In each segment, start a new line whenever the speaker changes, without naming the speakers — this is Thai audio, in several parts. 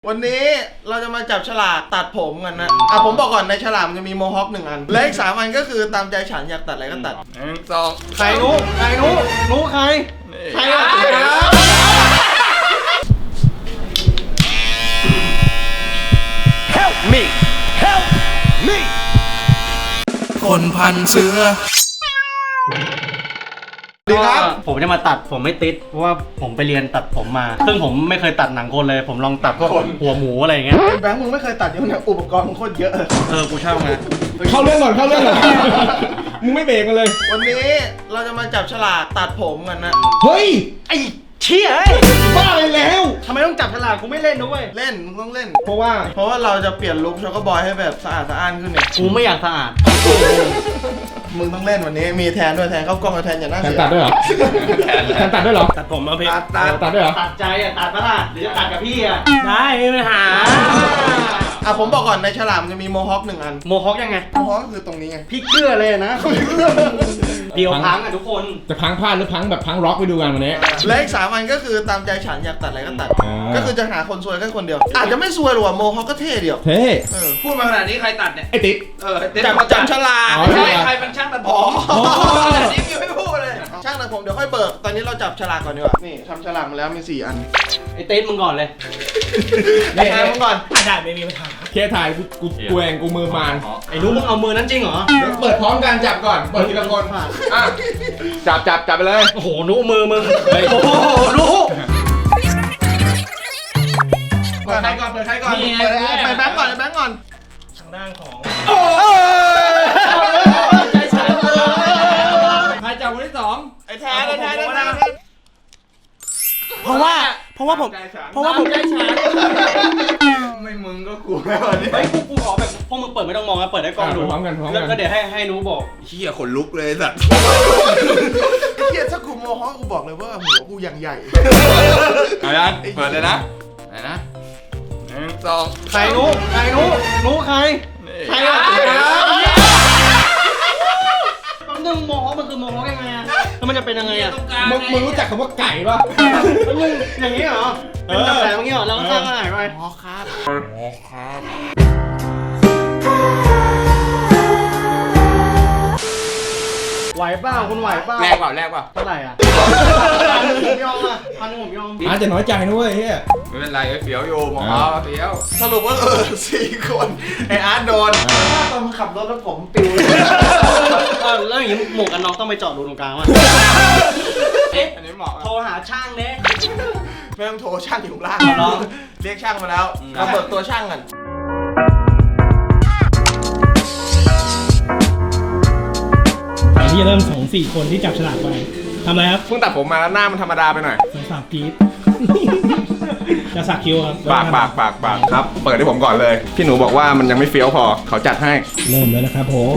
วันนี้เราจะมาจับฉลากตัดผมกันนะผมบอกก่อนในฉลากมันจะมีโมฮอค1 อันและอีก3 อันก็คือตามใจฉันอยากตัดอะไรก็ตัด
1 2
ใครรู้ใครอะ
Help me Help me
คนพันเสือดีครับ
ผมจะมาตัดผมไม่ติดเพราะว่าผมไปเรียนตัดผมมาซึ่งผมไม่เคยตัดหนังคนเลยผมลองตัดพวกหัวหมูอะไรอย่างเงี้ย
แบงค์มึงไม่เคยตัดเยอะนะอุปกรณ์มึงโคตรเยอะ
กูเช่าไง
เข้าเรื่องก่อนมึงไม่เบรกกันเลย
วันนี้เราจะมาจับฉลากตัดผมกันนะ
เฮ้ย
ไอ้เชี่ย
บ้าเลยแล้ว
ทำไมต้องจับฉลากกูไม่เล่นด้วย
เล่นมึงต้องเล่น
เพราะว่า
เราจะเปลี่ยนลุคช็อกโกบอยให้แบบสะอาดขึ้นเนี่ย
กูไม่อยากสะอาด
มึงต้องเล่นวันนี้มีแทนด้วยแทนเข้ากล้องกับแทนอย่าน่าเสีย
ตัดด้วยเหรอแทนตัดด้วยเหรอ
ตัดผมมาพี่
ตัดด้วยเหรอ
ตัดใจตัดปะล่ะหรือจะตัดกับพี่ได้ไม่มีปัญหา
ผมบอกก่อนในฉลากมันจะมีโมฮอค1 อัน
โมฮอคยังไง
โมฮอคคือตรงนี้ไง
พี่เกลือเลยนะเดียวพังทุกคน
จะพังพลาดหรือพังแบบพังร็อกไปดูกันวันนี้
และอีก3 อันก็คือตามใจฉันอยากตัดอะไรก็ตัดก็คือจะหาคนซวยแค่คนเดียวอาจจะไม่ซวยหรอกโมฮอคก็เท่เดียว
เท่
พูดมาขนาดนี้ใครตัดเนี่ย
ไอ้ติ๊ก
จับฉลาก
ไม่ใช่ใครเป็นช่างตัดผมขนาดนี้ยังไม่พูดเลย
ช่างตัดผมเดี๋ยวค่อยเบิกตอนนี้เราจับฉลากก่อนดีกว่านี่ทำฉลากมาแล้วมี4 อัน
ไอ้เต้มึงก่อนเลย
ไอ้แทนมึงก่อน
ได้ไม่มีปัญหา
เคถ่ายกูเองกูมือมาน
ไอ้รู้มึงเอามือนั้นจริงเหรอ
เปิดพร้อมกันจับก่อนเปิดทีละคนจับไปเลย
โอ้โหนู้มือมึงโอ้โหรู้
เปิดใครก่อนไปแบงค์ก่อนทางด้านของ
ใครจับคนที่2
ไอ้แทน
เพราะว่าผม
ใจฉันไม่มึงก็กูแล้วนี่
ไอ้กูขอแบบพวกมึงเปิดไม่ต้องมองนะเปิดได้กล้องดู
พร้อมกัน
แล้วเดี๋ยวให้นู้บอก
เหี้ยขนลุกเลยสัตว์
เหี้ยถ้ากูโมฮอคกูบอกเลยว่าหัวกูอย่างใหญ่
เอายังเปิดเลยนะไหนนะ1 2
ใครรู้ใครอะ
นึงโมฮอคมันคือโมฮอคยังไงอะแล้วมันจะเป็นยังไงอะ
มึงรู้จักคำว่าไก่ป่ะ
มึงอย่างนี้เหรอเป็นแบบไหนเมื่อกี้เหรอแล้วก็สร้างอะไรไป
อ๋อครับ
ไหวเปล่าคุณไหวเปล่า
แรกเปล่า
เท่าไหร่อ่ะผมยอมอ่ะ1,000ผมยอม
อาจจะน้อยใจนะเว้ยเฮ้ย
ไม่เป็นไรเฟี้ยวอยู่มองเฟี้ยว
สรุปว่า4 คนไอ้อาร์ตโดนตอนขับรถแล้วผมปิว
แล้วอย่างนี้หมวกกันน็อกต้องไปจอดดูตรงกลางว่ะ
อันนี้เหมาะ
โทรหาช่างเนี่ย
ไม่ต้องโทรช่างอยู่ล่างเรียกช่างมาแล้วเราเบิกตัวช่างกัน
ที่จะเริ่ม2-4 คนที่จับฉลากไปทำอะไรครับ
เพิ่งตัดผมมาแล้วหน้ามันธรรมดาไปหน่อย
สักกีบจะสักคิ้วครับ
ปากครับเปิดให้ผมก่อนเลยพี่หนูบอกว่ามันยังไม่เฟี้ยวพอเขาจัดให้
เริ่มแล้วนะครับผม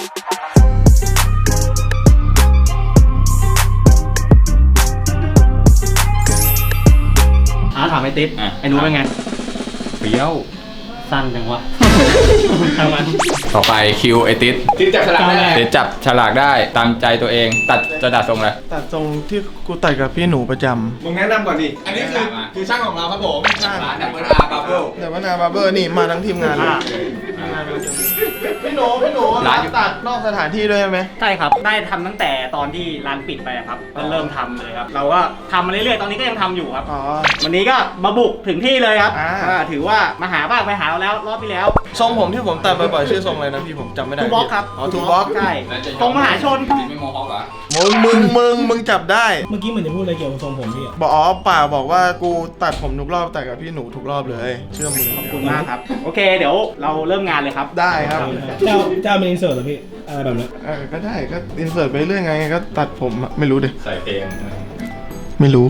ถามไอ้ติ๊บไอ้นู้เป็นไง
เฟี้ยว
สั้นจังวะทำมัน
ต่อไปคิวไอติ๊ด
จับฉลากได้
ติ๊ดจับฉลากได้ตามใจตัวเองจะดัดทรงอะไร
ตัดทรงที่กูตัดกับพี่หนูประจำ
มึงแนะนำก่อนดิอันนี้คือช่างของเราครับผม
ช่าง
ร้านดับเบิลอาร์บาร์เบิล
นี่มาทั้งทีมงานพี่หนูร้านตัดนอกสถานที่ด้วยใช่ไหม
ใช่ครับได้ทำตั้งแต่ตอนที่ร้านปิดไปครับก็เริ่มทำเลยครับเราก็ทำมาเรื่อยๆตอนนี้ก็ยังทำอยู่ครับวันนี้ก็มาบุกถึงที่เลยครับถือว่ามาหาบ้างไปหาเราแล้วรอบที่แล้ว
ทรงผมที่ผมตัดบ่อยๆชื่อทรงอะไรนะพี่ผมจำไม่ได้
ทูบ็อกครับ
ทูบ็อก
ใช่ทรงมหาชน
ไม่โมฮอคเหรอ
มึงจับได้
เมื่อกี้เหมือนจะพูดอะไรเกี่ยวกับทรงผมพี่
บอกว่ากูตัดผมทุกรอบแต่กับพี่หนูทุกรอบเลยเชื่อมือ
ขอบคุณมากครับโอเคเดี๋ยวเราเริ่มงานเลยครับ
ได้ครับ
เจ้าเป็นอินเสิร์ตเหรอพี่อะไรแบบนี้
ก็ได้ก็อินเสิร์ตไปเรื่อยไงก็ตัดผมไม่รู้ดิ
ใส่เพลง
ไม่รู้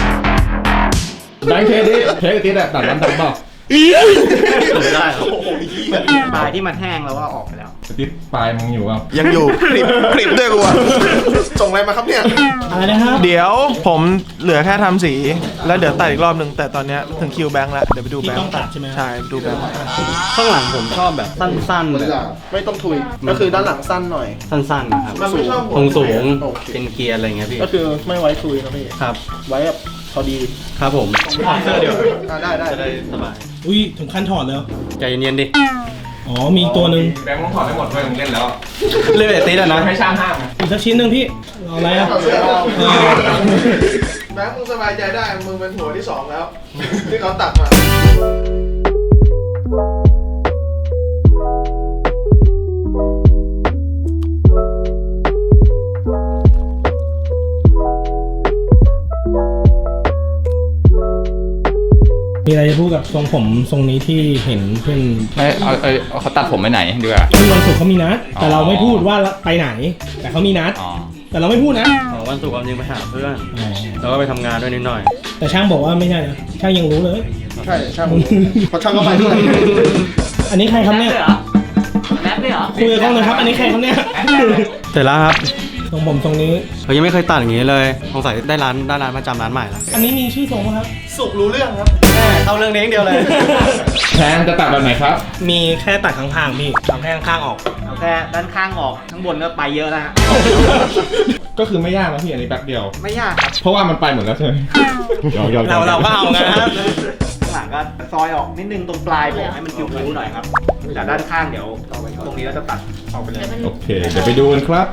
ได้เครดิตแบบตัดร้านตัดเปล่า
ได้โอ้โหปลายที่มันแห้งแล้วว่าออกไปแล้ว
ติ๊บปลายมึงอยู่เปล่า
ยังอยู่คลิปด้วยกูอะส่งอะไรมาครับเนี่ย
อะไรนะครับ
เดี๋ยวผมเหลือแค่ทำสี แล้วเดี๋ยวตัดอีกรอบหนึ่งแต่ตอนเนี้ยถึงคิวแบงค์แล้ว เดี๋ยวไปดู
ที่
แบง
ต้อง
ค์
ตัดใช่ไหม
ใช่ไปดูแบงค์
ข้างหลังผมชอบแบบสั้นๆแบบ
ไม่ต้องทุยก็คือด้านหลังสั้นหน่อย
สั้นๆนะครับ
มันไม่ชอบ
สูง
โอเค
เป็นเกียร์อะไรเงี้ยพี่
ก็คือไม่ไว้ทุยนะพี่
ครับ
ไว้แบบพอดี
ครับผมถอดเสื้อเดี๋ยว
ได้ได้
จะได้สบาย
อุ้ยถึงขั้นถอดแล้ว
ใจเย็นๆดิ
อ๋อมีอีกตัวหนึ่ง
แบงค์มึงถอดได้หมดเลยมึงเล่นแล้ว
เล่นแบบตีแล้วนะ
ให้ช่างห้าม
อีกสักชิ้นหนึ่งพี่เอาอะไรอ่ะ
แบงค์มึงสบายใจได้มึงเป็นหัวที่ 2 แล้ว ที่เขาตัดมา
มีอะไรจะพูดกับทรงผมทรงนี้ที่เห็นเพื่อน
ไม่เอาเขาตัดผมไปไหนดีกว่า
ที่วันศุกร์เขามีนัด แต่เราไม่พูดว่าไปไหน แต่เขามีนัด
อ๋อ
แต่เราไม่พูดนะ
วันศุกร์ความจริงไปหาเพื่อน
อ๋อ
แล้วก็ไปทำงานด้วยนิดหน่อย
แต่ช่างบอกว่าไม่ใช่นะช่างยังรู้เลย
ใช่ช่างผมเพราะช่างก็ไปด้วย
อันนี้ใครครับเนี่ย
แรปด้วยเหรอ
คุยกับกล้องหน่อยครับ อันนี้ใครครับเนี่ย
เสร็จแล้วครับ
ทรงผมทรงนี้
เขายังไม่เคยตัดอย่างนี้เลยสงสัยได้ร้านประจำร้านใหม่แล้ว
อันนี้มีชื่อทรงไหมครับ
สุกรู้เรื่องครับ
เข้าเรื่องนี้อย่างเดียวเลย
แทนจะตัดแบบไหนครับ
มีแค่ตัดข้างๆพี่เอาแค่ข้างๆออก
เอาแค่ด้านข้างออกข้างบนก็ไปเยอะแล้วฮะ
ก็คือไม่ยากนะพี่อันนี้แป๊บเดียว
ไม่ยากครับ
เพราะว่ามันไปหมดแล้วใช่ไหมยอม
เราก็เอาไงครับ
ข้างหลังก็ซอยออกนิดนึงตรงปลายผมให้มันคิ้วๆหน่อยครับจากด้านข้างเดี๋ยวตรงนี้เราจะตัดออกไปเลย
โอเค เดี๋ยวไปดูกันครับ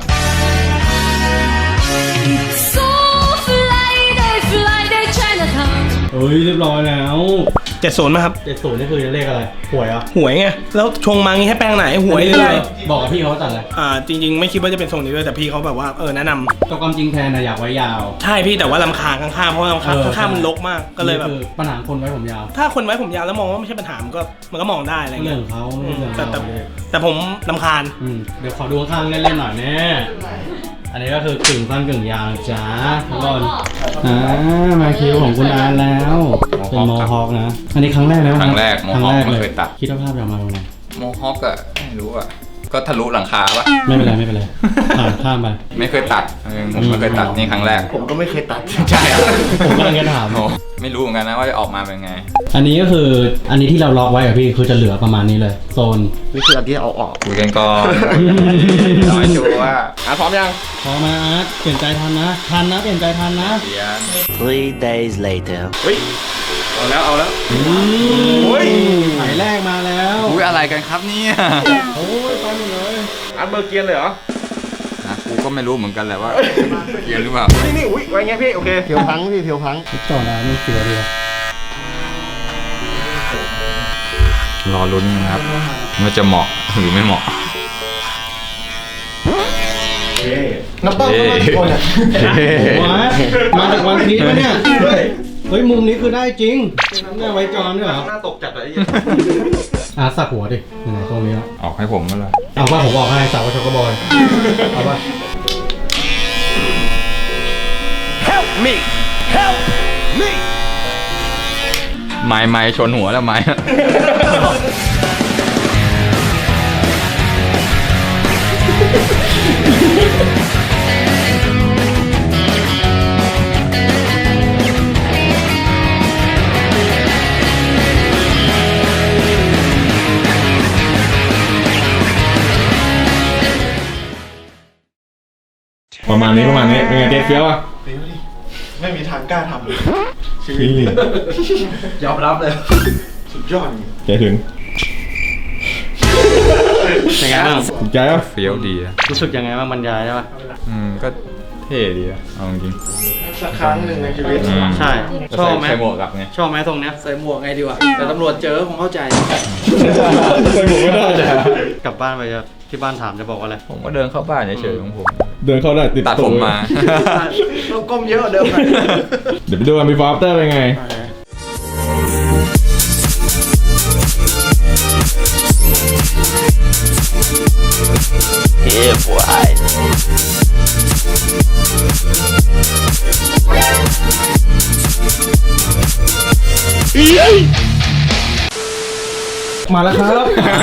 So fly day, fly day Chinatown.
เฮ้ยเรียบร้อยแล้ว
70ไหมครับ
70นี่คือเลขอะไรหวยอ่ะ
หวยไง แล้วชงมางี้ให้แปลงไหนหวยเลย
บอกกับพี่เขาตัดเลย
จริงๆ ไม่คิดว่าจะเป็นทรงนี้ด้วยแต่พี่เขาแบบว่าแนะนำ
ก็ความจริงแทนนะอยากไว้ยาว
ใช่พี่แต่ว่าลำคาญข้างๆเพราะว่าลำคาญข้างๆมันรกมากก็เลยแบบ
คือปัญหาคนไว้ผมยาว
ถ้าคนไว้ผมยาวแล้วมองว่าไม่ใช่ปัญหามันก็มองได้อะไร
เรื่
เงี้
อย งของเขาเรื่องของ
แต่
เขา
แต่ผมลำคาญ
เดี๋ยวขอดูข้างๆเล่นๆหน่อยแน่อันนี้ก็คือกึ่งสั้นกึ่งยาวจ้าทุกคนมาคิวของคุณอาร์ตแล้วเป็นโมฮอคนะ อันนี้ครั้งแรกแล้ว
ครั้งแรกโมฮอคไม่เคยตัด
คิดว่าภาพจะออกมาเป็นไง
โมฮอคอะไม่รู้อะก็ทะลุหลังคาปะ
ไม่เป็นไรไม่เป็นไรผ่านข้ามไป
ไม่เคยตัดผมไม่เคยตัดนี่ครั้งแรก
ผมก็ไม่เคยตัด
ใช่อะ
ผมกำลังจะถาม
โอ้ไม่รู้เหมือนกันนะว่าจะออกมาเป็นไง
อันนี้ก็คืออันนี้ที่เราล็อกไว้อะพี่คือจะเหลือประมาณนี้เลย โซน
นี่คืออันที่เอาออก
คุยกันก่อนน้อยชัวร์ว่า
พร้อมยัง
พอมาอาร์ตเปลี่ยนใจทันนะเปลี่ยนใจทันนะ
เรียน
3 days later.
เอาแล้ว
โอ้ยสายแรกมาแล้ว
อุ้ยอะไรกันครับเนี่ย
โอ้ยไปหมดเลย
อัดเบอร์เกียร์เลยเหรอ
นะกูก็ไม่รู้เหมือนกันแหละว่าเรียนหรือเปล่า
นี่อุ้ยไว้เงี้ยพี่ โอเค
เพียวพังพี่เพียวพัง
จอดแล้วไม่เสียเลย
รอลุ้นนะครับว่าจะเหมาะหรือไม่เหมาะ
น้ำเต้าเข้ามากี่คนอ่ะ
มาจากวันพีชไหมเนี่ย เฮ้ยมุมนี้คือได้จริงแม่ไว้จอนด้วยเหรอ
หน้าตกจัดเลย
อาสักหัวดิไหนตรงนี้แล้ว
ออกให้ผมก็เลย
เอาว่าผมบอกให้สาวกชกบอยเอาว่า
ไม้ชนหัวแล้วไม้
ประมาณนี้เป็นไงเจ๊เฟี้ยวอ่ะ
ไม่มีทางกล้าทำเลย
พี่
ยอมรับเลย สุดยอด
เจ๊ถึง
เป็นไงบ้าง
ถูกใจอ่ะ
เฟี้ยวดีอะ
รู้สึกยังไงบ้างบรรยายได้ป่ะ
ก็เท่ดีอะเอาจริง
สักครั้งหนึ่งในชีวิต
ใช่ชอบไหม
ใส่หมวกกับไง
ชอบไหมตรงเนี้ย
ใส่หมวกไงดีวะแต่ตำรวจเจอคงเข้าใจ
ใส่หมวกไม่ได้จ้ะ
กลับบ้านไปจะที่บ้านถามจะบอกว่าอะไร
ผมก็เดินเข้าบ้านเฉยๆของผม
เดินเข้าได้ติด
ตัดผมมา
ต้องก้มเยอะกว่าเดิม
เดี๋ยวไปดูกันบีฟอร์อัฟเตอร์เป็นไง
Yeah, boy.
มาแล้วครับ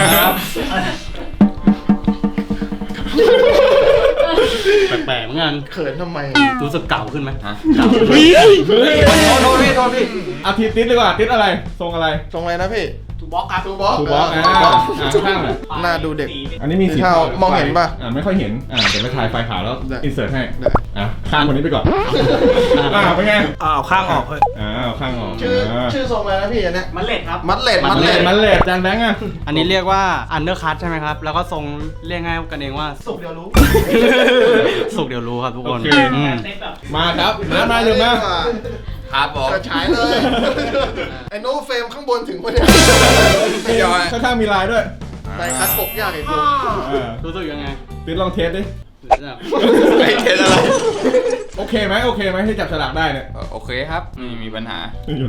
แปลกๆเหมือนกัน
เขินทำไม
รู้สึกเก่าขึ้นไหม
ฮะ
เก่าขึ้นไหม
โทษพี่เอาทิศติดดีกว่าติดอะไรทรงอะไร
ตรงอะไรนะพี่
ทูบ็อกครับ
ทูบ็อก
ทูบ็อกข้างหน่อย
หน้าดูเด็ก
อันนี้มีสี
เท่ามองเห็นปะ
ไม่ค่อยเห็นเดี๋ยวไปถ่ายไฟขาวแล้ว
ได้
อินเสิร์ตให้
ได้
ข้างคนนี้ไปก่อนเป็นไง
เอาข้างออกเลย
เอาข้างออก
ชื่อทรงอะไรนะพี่อันเนี้ย
มันเล็ดครับ
มัดเลด
มันเลดจานแบงค์อะ
อันนี้เรียกว่าอันเดอร์คัทใช่ไหมครับ แล้วก็ทรงเรียกง่ายกันเองว่า
สุกเดียวรู้
สุกเดี๋ยวรู้ครับทุกคน
มาครับมาลืมนะ
ครับผม
จะฉายเลย ไอ้โน้เฟรมข้างบนถึงปะเนี่ย
ไม่ยอม
ข้างๆมีลายด้วย
ใส่คัดปกยากไอ้กู
รู้สึกยังไง
ติดลองเทสดิ
ไอ้เทสอะไร
โอเคไหมที่จับฉลากได้เนี่ย
โอเคครับไม่มีปัญหา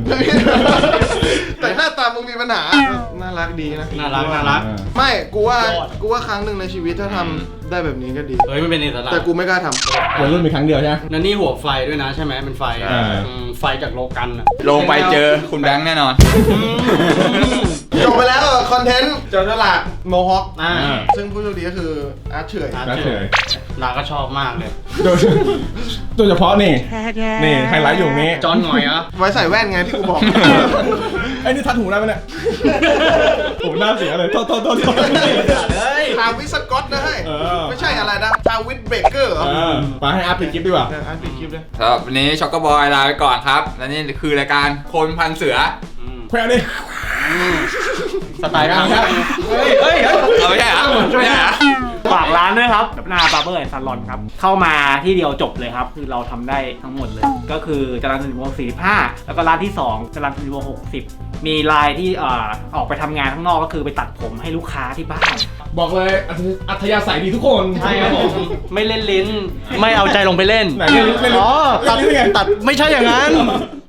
แต่หน้าตามึงมีปัญหา น่ารักดีนะ
น่ารัก
ไม่กูว่าครั้งหนึ่งในชีวิตถ้าทำได้แบบนี้ก็ดี
เฮ้ยมันเป็นอิสระ
แต่กูไม่กล้าทำ
วัยรุ่นมีครั้งเดียวใช่ไหม
นั่นนี่หัวไฟด้วยนะใช่ไหมเป็นไฟ
อ่า
ไฟจากโลกันอะ
ลงไปเจอคุณแบงค์แน่นอน
จบไปแล้วคอนเทนต์จับฉลากโมฮอค
อ่า
ซึ่งผู้โชคดีก็คืออาร์ตเฉย
น่าเฉย
นาก็ชอบมากเลย
โดยเฉพาะนี่ไฮไลท์อยู่นี้
จอนหน่อยอ่ะ
ไว้ใส่แว่นไงที่กูบอก
ไอ้นี่ทัดหูได้ไหมเนี่ยผมหน้าเสียเลยโทษ
เฮ้ย
ทาวิสกอตนะให้ ไม่ใช่อะไรนะทาวิสเบเกอร์เหรอ
ไปให้อาร์ตปิดคลิปดีกว่า
อาร์ตปิดคลิปเลย
ครับวันนี้ช็อกโกบอยลาไปก่อนครับ และนี่คือรายการคนพันเสือ
แควนี่
สไตล์พัง
ครับ
เฮ้ย
เอาไม่ใช่เหรอไม่ใช่เหรอ
ฝากร้านด้วยครับหน้าบาร์เบอร์แอนด์ซาลอนครับ เข้ามาที่เดียวจบเลยครับ คือเราทำได้ทั้งหมดเลย ก็คือจรัญสนิทวงศ์45 แล้วก็ร้านที่ 2จรัญสนิทวงศ์60 มีลายที่ออกไปทำงานข้างนอกก็คือไปตัดผมให้ลูกค้าที่บ้าน
บอกเลยอัธยาศัยดีทุกคน
ใช่ครับผม ไม่เล่นลิ้น ไม่เอาใจลงไปเล่น
ไหนเล่นลิ้น
อ๋อ
เล่นลิ้นไง
ตัดไม่ใช่อย่างนั้น